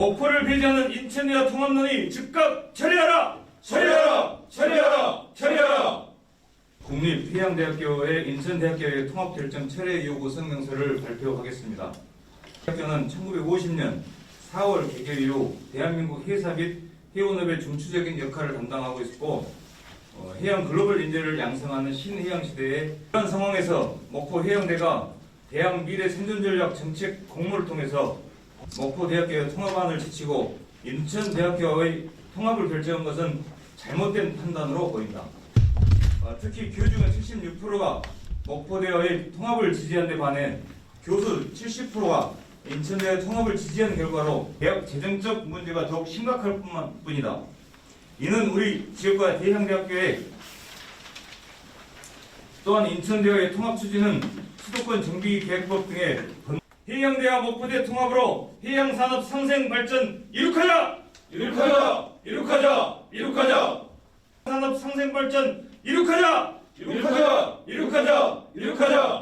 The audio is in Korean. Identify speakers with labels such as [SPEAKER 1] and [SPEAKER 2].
[SPEAKER 1] 목포를 배제하는 인천대와 통합론이 즉각 처리하라!
[SPEAKER 2] 처리하라! 처리하라! 처리하라!
[SPEAKER 1] 국립해양대학교의 인천대학교의 통합결정 철회 요구 성명서를 발표하겠습니다. 대학교는 1950년 4월 개교 이후 대한민국 해사 및 해운업의 중추적인 역할을 담당하고 있었고 해양 글로벌 인재를 양성하는 신해양 시대에 이런 상황에서 목포 해양대가 대학 미래 생존전략 정책 공모를 통해서 목포대학교의 통합안을 제치고 인천대학교의 통합을 결정한 것은 잘못된 판단으로 보인다. 특히 교중의 76%가 목포대와의 통합을 지지한 데 반해 교수 70%가 인천대의 통합을 지지한 결과로 대학 재정적 문제가 더욱 심각할 뿐이다. 이는 우리 지역과 해양대학교의 또한 인천대와의 통합 추진은 수도권 정비계획법 등의 해양대와 목포대 통합으로 해양산업 상생 발전 이룩하자!
[SPEAKER 2] 이룩하자! 이룩하자! 이룩하자!
[SPEAKER 1] 산업 상생 발전 이룩하자!
[SPEAKER 2] 이룩하자! 이룩하자! 이룩하자!